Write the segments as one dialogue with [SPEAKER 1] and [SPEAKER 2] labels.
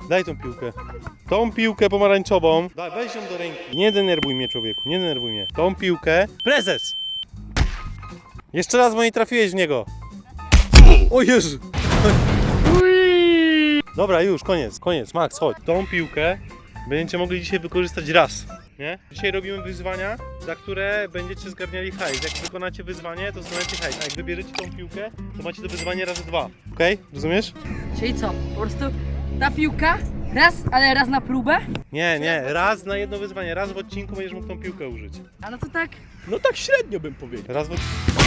[SPEAKER 1] Daj tą piłkę. Tą piłkę pomarańczową. Daj, weź ją do ręki. Nie denerwuj mnie, człowieku, nie denerwuj mnie. Tą piłkę. Prezes! Jeszcze raz, bo nie trafiłeś w niego. O Jezu! Dobra, już, koniec. Max, chodź. Tą piłkę będziecie mogli dzisiaj wykorzystać raz. Nie? Dzisiaj robimy wyzwania, za które będziecie zgarniali hajs. Jak wykonacie wyzwanie, to zgarniacie hajs. A jak wybierzecie tą piłkę, to macie to wyzwanie razy 2. Okej? Rozumiesz?
[SPEAKER 2] Czyli co? Po prostu ta piłka, raz na próbę?
[SPEAKER 1] Nie, raz na jedno wyzwanie. Raz w odcinku będziesz mógł tą piłkę użyć.
[SPEAKER 2] A no to tak.
[SPEAKER 3] No tak średnio bym powiedział.
[SPEAKER 1] Raz w odcinku.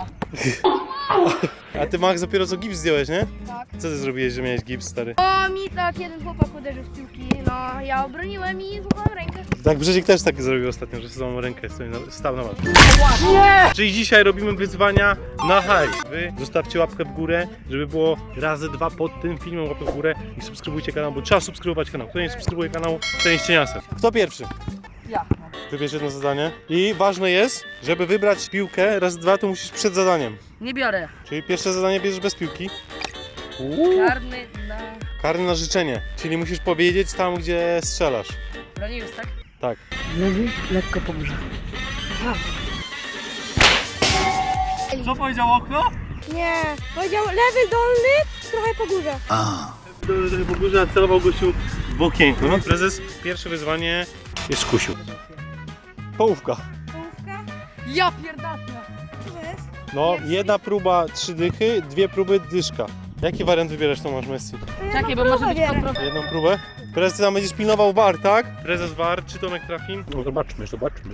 [SPEAKER 1] A ty, Max, dopiero co gips zdjąłeś, nie?
[SPEAKER 4] Tak.
[SPEAKER 1] Co ty zrobiłeś, że miałeś gips, stary?
[SPEAKER 4] O, mi tak jeden chłopak uderzył w piłki, no ja obroniłem i złapałem rękę.
[SPEAKER 1] Tak, Brzezik też tak zrobił ostatnio, że złamał rękę, stał na walce. Czyli dzisiaj robimy wyzwania na hajs. Wy zostawcie łapkę w górę, żeby było razy 2 pod tym filmem, łapkę w górę i subskrybujcie kanał, bo trzeba subskrybować kanał. Kto nie subskrybuje kanału, to jest cieniasem. Kto pierwszy?
[SPEAKER 2] Ja.
[SPEAKER 1] Wybierz jedno zadanie. I ważne jest, żeby wybrać piłkę razy 2, to musisz przed zadaniem.
[SPEAKER 2] Nie biorę.
[SPEAKER 1] Czyli pierwsze zadanie bierzesz bez piłki.
[SPEAKER 2] Karny na
[SPEAKER 1] Karny na życzenie, czyli musisz powiedzieć tam, gdzie strzelasz.
[SPEAKER 2] Bronius, tak?
[SPEAKER 1] Tak.
[SPEAKER 2] Lewy, lekko po górze.
[SPEAKER 1] Co powiedział okno?
[SPEAKER 4] Nie, powiedział lewy dolny, trochę po górze.
[SPEAKER 1] Po górze, a celował gościu w okienku. No, prezes, pierwsze wyzwanie jest kusiu. Połówka.
[SPEAKER 4] Połówka?
[SPEAKER 2] Ja pierdolę.
[SPEAKER 4] Co to jest?
[SPEAKER 1] No, jedna próba 3 dychy, 2 próby dyszka. Jaki wariant wybierasz, Tomasz Messi?
[SPEAKER 4] To ja
[SPEAKER 2] Czekaj,
[SPEAKER 4] na
[SPEAKER 2] bo może
[SPEAKER 4] próbę
[SPEAKER 2] być
[SPEAKER 4] biorę.
[SPEAKER 2] kontrola.
[SPEAKER 1] Jedną próbę? Prezes, tam będziesz pilnował VAR, tak? Prezes VAR, czy Tomek trafi?
[SPEAKER 3] No zobaczmy.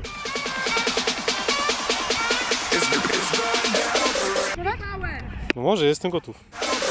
[SPEAKER 1] No może, jestem gotów.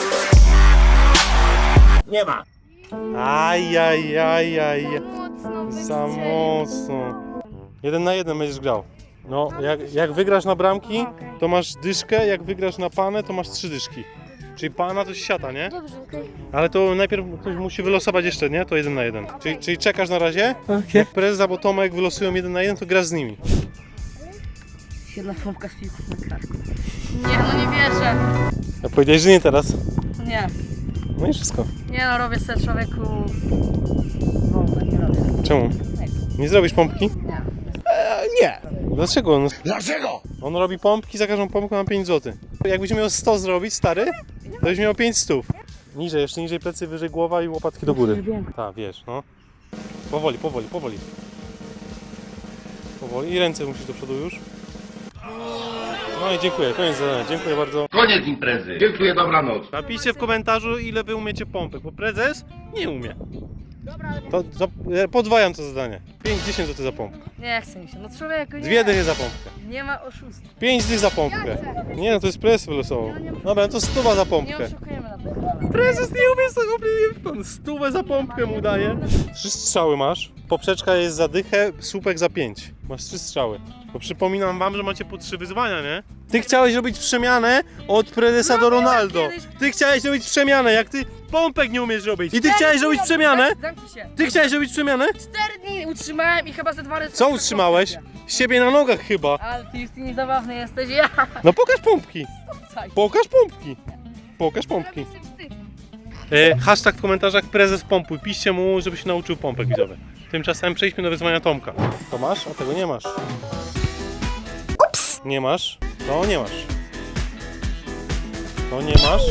[SPEAKER 3] Nie ma.
[SPEAKER 1] Ajajajaj.
[SPEAKER 4] Mocno
[SPEAKER 1] Za
[SPEAKER 4] wystrzelił.
[SPEAKER 1] mocno. 1 na 1 będziesz grał. No, jak wygrasz na bramki, to masz dyszkę, jak wygrasz na panę, to masz 3 dyszki. Czyli pana to jest siata, nie?
[SPEAKER 4] Dobrze, okej.
[SPEAKER 1] Ale to najpierw ktoś musi wylosować jeszcze, nie? To 1 na 1. Czyli czekasz na razie? Jak prezes albo Tomek wylosują 1 na 1, to grasz z nimi.
[SPEAKER 2] Jedna pompka z piłką na karku. Nie, no nie wierzę.
[SPEAKER 1] A powiedziałeś, że nie teraz.
[SPEAKER 2] Nie.
[SPEAKER 1] No i wszystko.
[SPEAKER 2] Nie no, robię sobie człowieku... Wolne, nie robię.
[SPEAKER 1] Czemu? Nie zrobisz pompki?
[SPEAKER 2] Nie.
[SPEAKER 3] Nie.
[SPEAKER 1] Dlaczego? No,
[SPEAKER 3] Dlaczego?
[SPEAKER 1] on robi pompki, za każdą pompkę ma 5 zł. Jakbyś miał 100 zrobić, stary, to byś miał 5 stów. Niżej, jeszcze niżej plecy, wyżej głowa i łopatki do góry. Tak, wiesz, no. Powoli. Powoli i ręce musisz do przodu już. No i dziękuję, koniec zadania, dziękuję bardzo.
[SPEAKER 5] Koniec imprezy. Dziękuję, dobranoc.
[SPEAKER 1] Napiszcie w komentarzu, ile wy umiecie pompek, bo prezes nie umie. To podwajam to zadanie. 5-10 zł za pompkę.
[SPEAKER 2] Nie chce mi się. No człowieku, nie.
[SPEAKER 1] 2 dychy za pompkę.
[SPEAKER 2] Nie ma oszustw.
[SPEAKER 1] 5 dych za pompkę. Nie no, to jest prezes wylosował. Dobra, to 100 za
[SPEAKER 2] Nie
[SPEAKER 1] pompkę.
[SPEAKER 2] oszukujemy na to.
[SPEAKER 1] Prezes nie umie sobie, 100 za pompkę mu daje. 3 strzały masz, poprzeczka jest za dychę, słupek za 5. Masz 3 strzały. Bo przypominam wam, że macie po 3 wyzwania, nie? Ty chciałeś robić przemianę od prezesa do Ronaldo. Ty chciałeś robić przemianę, jak ty pompek nie umiesz robić. I ty chciałeś robić przemianę?
[SPEAKER 2] Zamknij się.
[SPEAKER 1] Ty chciałeś robić przemianę?
[SPEAKER 2] 4 dni utrzymałem i chyba ze 2 razy...
[SPEAKER 1] Co utrzymałeś? Siebie na nogach chyba.
[SPEAKER 2] Ale ty już niezabawny jesteś, ja.
[SPEAKER 1] No pokaż pompki.
[SPEAKER 2] Caj.
[SPEAKER 1] Pokaż pompki. Pokaż pompki. Hashtag w komentarzach prezes pompuj. Piszcie mu, żeby się nauczył pompek widzowych. Tymczasem przejdźmy do wyzwania Tomka. To masz? A tego nie masz. Ups. Nie masz? To nie masz. To nie masz?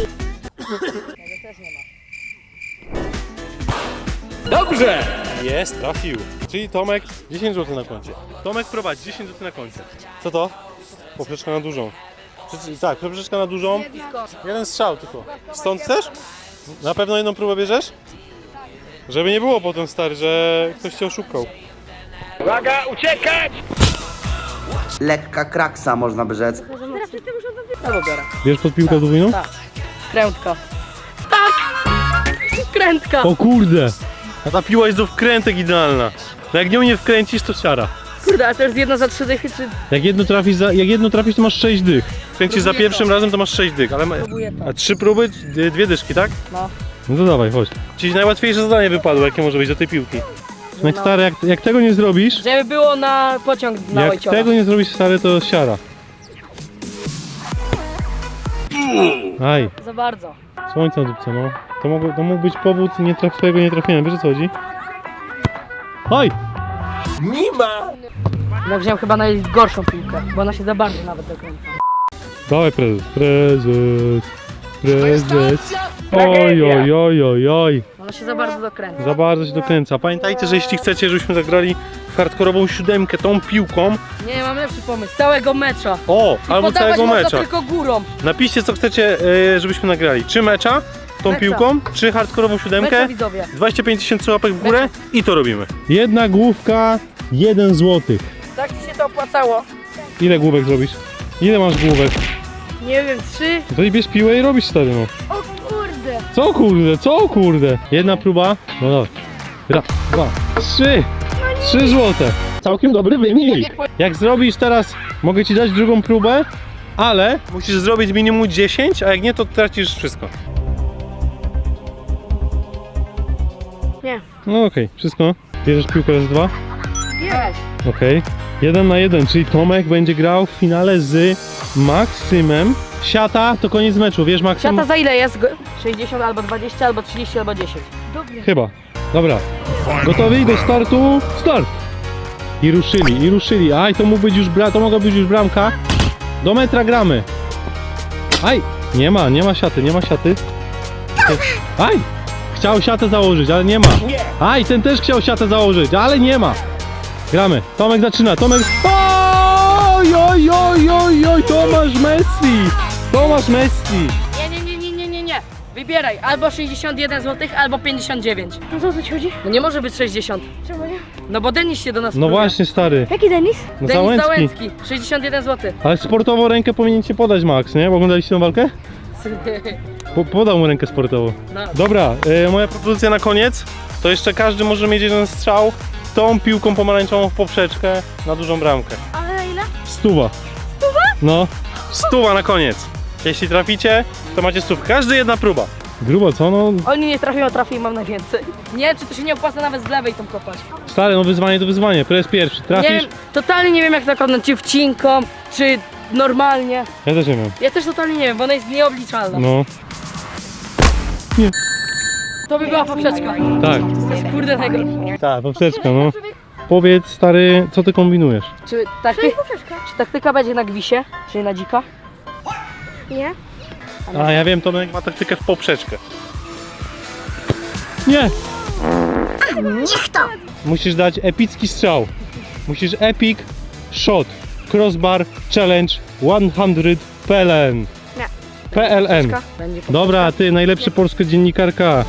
[SPEAKER 3] Dobrze.
[SPEAKER 1] Jest, trafił. Czyli Tomek 10 zł na koncie. Tomek prowadzi 10 zł na koncie. Co to? Poprzeczka na dużą. Tak, poprzeczka na dużą. Jeden strzał tylko. Stąd chcesz? Na pewno jedną próbę bierzesz? Żeby nie było potem, stary, że ktoś cię oszukał.
[SPEAKER 3] Uwaga, uciekać!
[SPEAKER 6] Lekka kraksa, można by rzec.
[SPEAKER 2] Albo biorę.
[SPEAKER 1] Bierz pod piłkę podwójną?
[SPEAKER 2] Tak. Krętka. Tak! Krętka!
[SPEAKER 1] O kurde! A ta piła jest do wkrętek idealna. No jak nią nie wkręcisz, to siara.
[SPEAKER 2] Kurde, a to jest jedna za 3 dychy, czy...
[SPEAKER 1] Jak jedno trafisz, to masz 6 dych. Kręcisz za
[SPEAKER 2] Próbuję
[SPEAKER 1] pierwszym
[SPEAKER 2] to.
[SPEAKER 1] razem, to masz 6 dych, ale...
[SPEAKER 2] Próbuję to.
[SPEAKER 1] A 3 próby, 2 dyszki, tak?
[SPEAKER 2] No.
[SPEAKER 1] No to dawaj, chodź. Ci najłatwiejsze zadanie wypadło, jakie może być do tej piłki. No stary, jak tego nie zrobisz,
[SPEAKER 2] Żeby było na pociąg na
[SPEAKER 1] jak
[SPEAKER 2] Ojciora.
[SPEAKER 1] tego nie zrobisz, stary, to siara. Aj.
[SPEAKER 2] Za bardzo.
[SPEAKER 1] Słońce na dupce, no. To mógł być powód twojego nietrafienia, wiesz o co chodzi? Oj!
[SPEAKER 2] No wziąłem chyba najgorszą piłkę, bo ona się za bardzo nawet dokręca.
[SPEAKER 1] Dawaj prezes. Oj, oj, oj, oj, oj.
[SPEAKER 2] Ona się za bardzo dokręca.
[SPEAKER 1] Za bardzo się dokręca. Pamiętajcie, że jeśli chcecie, żebyśmy zagrali w hardkorową siódemkę tą piłką,
[SPEAKER 2] Nie, mam lepszy pomysł. Całego mecza.
[SPEAKER 1] o, albo
[SPEAKER 2] Podawać
[SPEAKER 1] całego
[SPEAKER 2] można
[SPEAKER 1] mecza.
[SPEAKER 2] tylko górą.
[SPEAKER 1] Napiszcie, co chcecie, żebyśmy nagrali. Czy mecza tą
[SPEAKER 2] Mecza.
[SPEAKER 1] piłką, czy hardkorową siódemkę.
[SPEAKER 2] Mecza, widzowie.
[SPEAKER 1] 25 000 łapek w górę i to robimy. Jedna główka, 1 złotych.
[SPEAKER 2] Tak ci się to opłacało.
[SPEAKER 1] Ile główek zrobisz? Ile masz główek?
[SPEAKER 2] Nie wiem, 3.
[SPEAKER 1] To i bierz piłę i robisz, stary, no.
[SPEAKER 4] O kurde.
[SPEAKER 1] Co kurde? Jedna próba. No dobra. Raz, 2, 3. 3 złote. Całkiem dobry wynik. Jak zrobisz teraz, mogę ci dać drugą próbę, ale musisz zrobić minimum 10, a jak nie, to tracisz wszystko.
[SPEAKER 4] Nie.
[SPEAKER 1] No okej, wszystko. Bierzesz piłkę raz, 2.
[SPEAKER 4] Jest.
[SPEAKER 1] Okej. 1 na 1, czyli Tomek będzie grał w finale z Maksymem. Siata to koniec meczu, wiesz Maksym?
[SPEAKER 2] Siata za ile jest? 60 albo 20 albo 30 albo 10.
[SPEAKER 4] Dobry.
[SPEAKER 1] Chyba. Dobra. Gotowi do startu? Start! I ruszyli. Aj, to mógł być już to mogła być już bramka. Do metra gramy. Aj! Nie ma siaty. Aj! Chciał siatę założyć, ale nie ma. Aj, ten też chciał siatę założyć, ale nie ma. Gramy. Tomek zaczyna. Oj, oj, oj, oj, oj, Tomasz Messi.
[SPEAKER 2] Nie. Wybieraj albo 61 zł, albo 59.
[SPEAKER 4] No co ci chodzi?
[SPEAKER 2] No nie może być 60.
[SPEAKER 4] Czemu nie?
[SPEAKER 2] No bo Denis się do nas
[SPEAKER 1] No
[SPEAKER 2] próbuje.
[SPEAKER 1] właśnie, stary.
[SPEAKER 4] Jaki Denis?
[SPEAKER 1] No
[SPEAKER 2] Denis Załęcki. 61 zł.
[SPEAKER 1] Ale sportową rękę powinien ci podać Max, nie? Bo oglądaliście tę walkę? Podał mu rękę sportową.
[SPEAKER 2] No.
[SPEAKER 1] Dobra, moja propozycja na koniec. To jeszcze każdy może mieć jeden strzał tą piłką pomarańczową w poprzeczkę na dużą bramkę.
[SPEAKER 4] Ale na ile?
[SPEAKER 1] 100. No, 100 na koniec. Jeśli traficie, to macie 100. Każdy jedna próba. Grubo, co? No,
[SPEAKER 2] Oni nie trafią, a trafię i mam najwięcej. Nie wiem, czy to się nie opłaca nawet z lewej tą kopać.
[SPEAKER 1] stary, no wyzwanie to wyzwanie. Prez pierwszy.
[SPEAKER 2] Nie
[SPEAKER 1] Trafisz?
[SPEAKER 2] wiem, totalnie nie wiem jak to kopnąć, czy wcinką, czy normalnie.
[SPEAKER 1] Ja też nie wiem.
[SPEAKER 2] Ja też totalnie nie wiem, bo ona jest nieobliczalna.
[SPEAKER 1] No,
[SPEAKER 2] To by była poprzeczka.
[SPEAKER 1] tak.
[SPEAKER 2] To jest kurde najgorsze.
[SPEAKER 1] Tak, poprzeczka, no. Powiedz, stary, co ty kombinujesz?
[SPEAKER 2] Czy, czy taktyka będzie na gwisie, czyli na dzika?
[SPEAKER 4] Nie.
[SPEAKER 1] A, ja wiem, Tomek ma taktykę w poprzeczkę. Nie! Musisz dać epicki strzał. Musisz epic shot. Crossbar challenge 100 PLN.
[SPEAKER 4] Nie.
[SPEAKER 1] PLN.
[SPEAKER 2] Będzie poprzeczka.
[SPEAKER 1] Dobra, ty, najlepsza polska dziennikarka.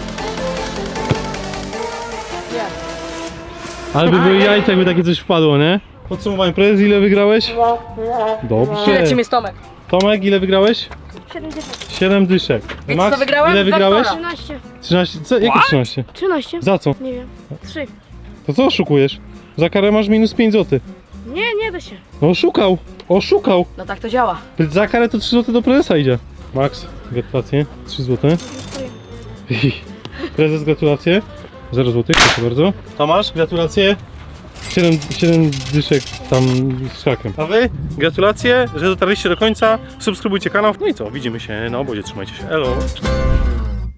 [SPEAKER 2] Nie.
[SPEAKER 1] Ale by były jajca, jakby takie coś wpadło, nie? Podsumowanie, prezes, ile wygrałeś? Dobrze.
[SPEAKER 2] Tyle czym jest Tomek.
[SPEAKER 1] Tomek, ile wygrałeś?
[SPEAKER 4] 70.
[SPEAKER 1] 7 dyszek.
[SPEAKER 2] Wiecie, co wygrałem?
[SPEAKER 1] ile
[SPEAKER 2] Dwa
[SPEAKER 1] wygrałeś?
[SPEAKER 2] kola.
[SPEAKER 4] 13.
[SPEAKER 1] 13, co? Jakie 13?
[SPEAKER 4] 13?
[SPEAKER 1] Za co?
[SPEAKER 4] Nie wiem. 3.
[SPEAKER 1] To co oszukujesz? Za karę masz minus 5 zł.
[SPEAKER 4] Nie da się.
[SPEAKER 1] No oszukał.
[SPEAKER 2] No tak to działa.
[SPEAKER 1] Za karę to 3 zł do prezesa idzie. Max, gratulacje. 3 zł. Prezes, gratulacje. 0 zł, proszę bardzo. Tomasz, gratulacje. 7 dyszek tam z szakiem. A wy? Gratulacje, że dotarliście do końca. Subskrybujcie kanał. No i co? Widzimy się na obozie. Trzymajcie się. Elo.